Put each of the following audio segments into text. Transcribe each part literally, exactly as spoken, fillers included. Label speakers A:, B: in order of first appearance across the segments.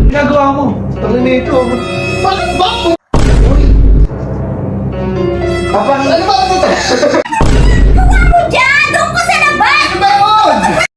A: Ginagawa mo? Tangin na ito. Bakit ba? Uy! Kapag... Ano ba ito?
B: Gawa mo dyan! Doon ko sa labas!
A: Ano ba yun?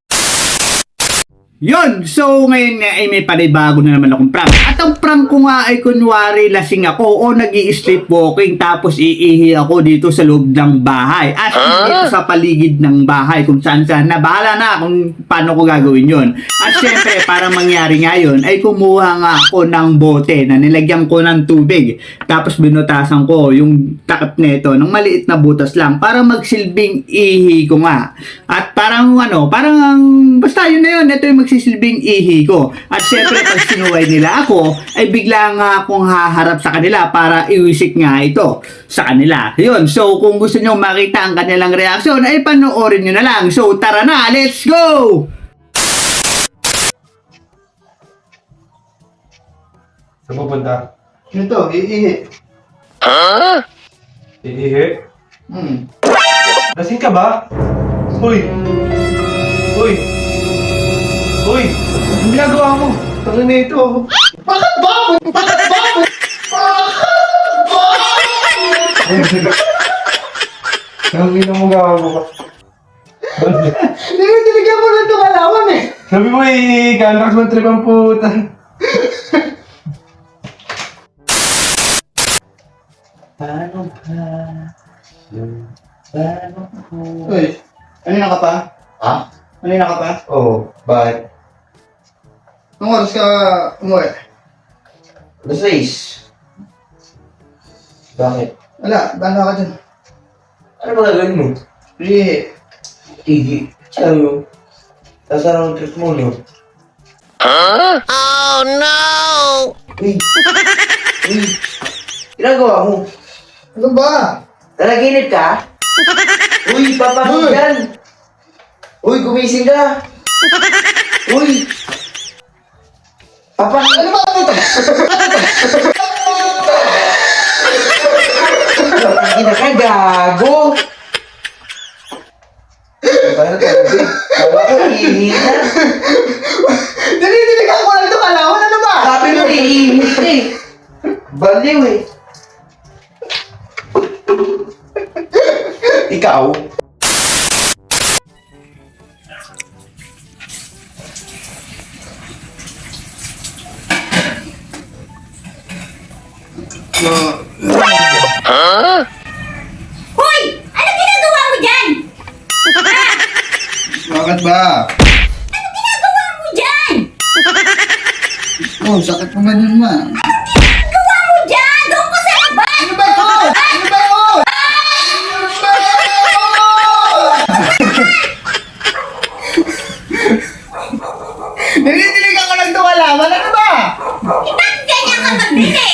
C: Yon, so ngayon nga ay may panibago na naman akong prank. At ang prank ko nga ay kunwari lasing ako o nag-i-sleepwalking tapos iihi ako dito sa loob ng bahay. At dito sa paligid ng bahay kung saan saan na bahala na kung paano ko gagawin yon. At syempre para mangyari nga yun ay kumuha nga ako ng bote na nilagyan ko ng tubig. Tapos binutasan ko yung takip nito ng maliit na butas lang para magsilbing ihi ko nga. At parang ano, parang basta yun na yun, ito yung magsisilbing ihi ko. At syempre pag sinuway nila ako, ay bigla nga akong haharap sa kanila para iwisik nga ito sa kanila. Yun, so kung gusto nyo makita ang kanilang reaksyon, ay panoorin nyo na lang. So tara na, let's go!
A: Saan pupunta?
C: Ito, iihi.
A: Iihi?
C: Hmm.
A: Lasing ka ba? Uy! Uy! Uy! Ang ginagawa mo? Tangin na ito. Bakit ba? Bakit ba? Bakit ba? Ang ina mo gawa mo ba?
C: Tinigyan ko lang itong alawan eh.
A: Sabi mo eh, kalakas mo trip ang puta. Paano ba? Paano po?
C: Uy, kanina ka pa?
A: Ha?
C: Kanina ka pa?
A: Oo, oh, bakit?
C: Anong oras ka umuwi?
A: Alas sais. Bakit?
C: Wala, bahala ka dyan.
A: Ano ba gagawin mo?
C: Iihi.
A: Tigi. Sabi mo. Tapos anong trip mo, no?
B: Oh no!
A: Uy! Uy! Ginagawa mo?
C: Ano ba?
A: Nanaginip ka? Uy, papakot
C: Uy!
A: yan! Uy, gumising ka! Uy! Papa, ano ba ito? Hindi na ka, gago! Paano tayo? Kala ko, iihi na.
C: Dinidiligan ko lang itong alawan, ano ba?
A: Sabi mo, iihi ka eh. Baliw eh. Ikaw?
B: Hoy! Ano ginagawa mo dyan?
C: Bakit ba?
B: Ano ginagawa mo dyan?
C: Oh, sakit mo ganun ma.
B: Gawa mo dyan! Doon ko sa labas!
C: Ano ba ito? Ano ba yun? Ano ba yun? Dinidiligan ko lang itong alawan, ano ba?
B: Eh, bakit ganyan ka magbili?